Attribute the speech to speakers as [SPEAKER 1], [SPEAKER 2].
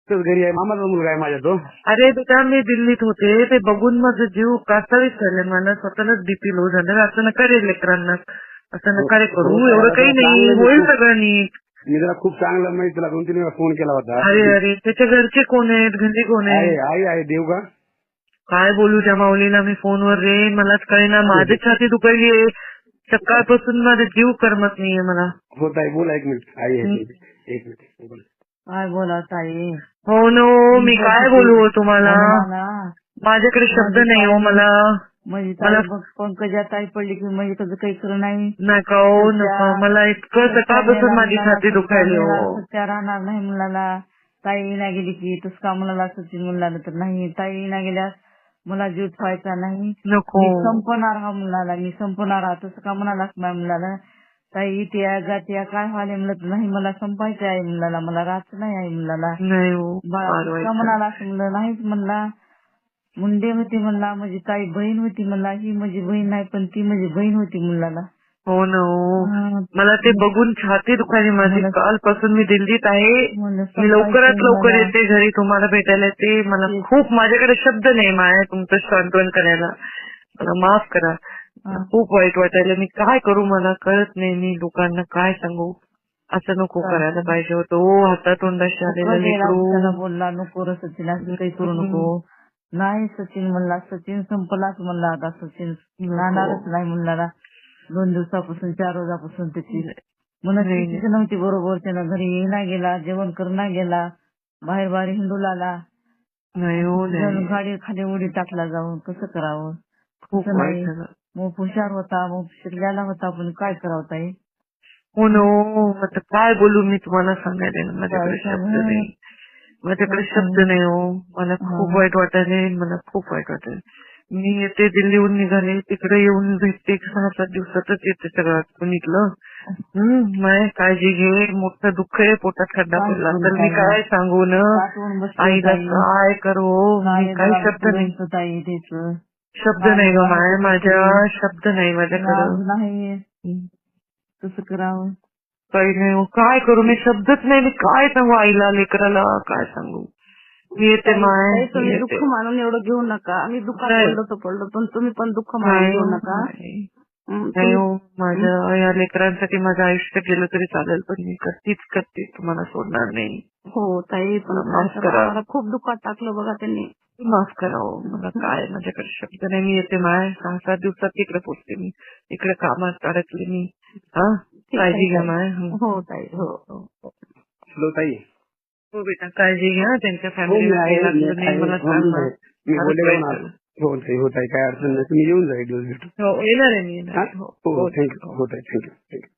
[SPEAKER 1] तर घरी आहे, मामाचा मुलगा आहे माझ्या तो.
[SPEAKER 2] अरे बेटा मी दिल्लीत होते, ते बघून माझं जीव कासावीस झाले, मला स्वतःलाच बीपी लो झालं. असं नका रे लेकरांना, असं नका रे करू, एवढं काही नाही, होईल सगळं नीट.
[SPEAKER 1] मी जरा खूप चांगलं माहिती, तुला 2-3 वेळा फोन केला होता.
[SPEAKER 2] अरे त्याच्या घरचे कोण आहेत, घरी कोण आहे?
[SPEAKER 1] आई आहे देव का?
[SPEAKER 2] काय बोलू त्या माऊलीला मी फोनवर रे, मलाच कळेना, माझी छाती दुखायली आहे सकाळपासून, माझा जीव करमत नाहीये मला.
[SPEAKER 1] होत आहे, बोला 1 मिनिट. आई आहे, 1 मिनिट बोला.
[SPEAKER 3] काय बोला ताई?
[SPEAKER 2] हो नो, मी काय बोलू तुम्हाला, माझ्याकडे शब्द नाही हो मला.
[SPEAKER 3] म्हणजे ताई बघ, पंकजा ताई पडली की म्हणजे त्याचं काही खरं नाही.
[SPEAKER 2] नका हो नका, मला इतकं सकाळपासून माझी छाती दुखायली हो.
[SPEAKER 3] सत्या राहणार नाही मुलाला. ताई ना गेली की तस का मुलाला सचिन मुलाला तर नाही, ताई ना गेल्यास मला जीव ठेवायचा नाही,
[SPEAKER 2] नको
[SPEAKER 3] मी संपणार हा मुलाला, मी संपणार हा. तसं का म्हणालास माझ्या मुलाला? ताई इतिया जात्या काय व्हायला म्हणत नाही, मला संपायचं आहे मुलाला, मला राहायचं नाही आहे मुलाला.
[SPEAKER 2] नाही हो,
[SPEAKER 3] का म्हणाला असं म्हणलं नाहीच म्हणला. मुंडे होती म्हणला, माझी ताई बहीण होती म्हणला, ही माझी बहीण नाही पण ती माझी बहीण होती मुलाला.
[SPEAKER 2] हो ना हो, मला ते बघून छाती दुखायली माझी. कालपासून मी दिल्लीत आहे, मी लवकरात लवकर येते घरी तुम्हाला भेटायला येते. मला खूप, माझ्याकडे शब्द नाही माया तुमचं सांत्वन करायला, मला माफ करा. खूप वाईट वाटायला, मी काय करू मला कळत नाही, मी लोकांना काय सांगू. असं नको करायला पाहिजे होतं हो, हातातोंडाशी आलेलं लेकरू.
[SPEAKER 3] बोलला नको रे सचिन, असं काही करू नको. नाही सचिन म्हणला, सचिन संपलाच म्हणला, आता सचिन राहणारच नाही म्हणला. 2 दिवसापासून 4 रोजापासून त्याची मनस्थितीच नव्हती बरोबर. त्यानं घरी येईना गेला, जेवण करणा गेला, बाहेर बाहेर हिंडू लागला. गाडी खाली उडी टाकला जाऊन, कसं करावं?
[SPEAKER 2] खूप
[SPEAKER 3] नाही, मग हुशार होता, मग शिकलेला होता, पण काय करावं ताई?
[SPEAKER 2] हो नो, आता काय बोलू मी तुम्हाला सांगायला, माझ्याकडे शब्द नाही, माझ्याकडे शब्द नाही हो. मला खूप वाईट वाटायले, मला खूप वाईट वाटायले. मी येते, दिल्लीहून निघाले, तिकडे येऊन भेटते, 6-7 दिवसातच येते सगळं पुणीतलं. माय काळजी घे, मोठं दुःख आहे, पोटात खड्डा पडला तर मी काय सांगू न आईला, काय करू, मी काही शब्द नाही, शब्द नाही ग माय, माझ्या शब्द नाही माझ्याकडं.
[SPEAKER 3] कसं करावं
[SPEAKER 2] काही नाही, काय करू मी, शब्दच नाही, मी काय सांगू आईला, लेकराला काय सांगू. मी येते माय,
[SPEAKER 3] तुम्ही दुःख मानून एवढं घेऊ नका, आम्ही दुःखात पडलो पण तुम्ही पण दुःख मानून घेऊ नका.
[SPEAKER 2] नाही हो, माझ्या या लेकरांसाठी माझं आयुष्य गेलं तरी चालेल, पण मी करते, तुम्हाला सोडणार नाही.
[SPEAKER 3] हो ताई, पण
[SPEAKER 2] माफ करा,
[SPEAKER 3] खूप दुःखात टाकलं बघा त्यांनी,
[SPEAKER 2] माफ करा हो. मला काय, माझ्याकडे शब्द नाही. मी येते माय, 6-7 दिवसात तिकडे पोचते मी, इकडे कामात अडकले मी. हा, काळजी घ्या माय.
[SPEAKER 3] हो ताई, हो
[SPEAKER 1] हॅलो ताई.
[SPEAKER 2] हो बेटा, काळजी घ्या, त्यांच्या फॅमिलीला काही लागलं नाही मला सांग.
[SPEAKER 1] मी बोलले होत आहे, काय अडचण नाही, तुम्ही येऊन जा एक दिवस भेटू.
[SPEAKER 2] हो येणार आहे मी, येणार.
[SPEAKER 1] हो थँक्यू, हो ताई, थँक्यू.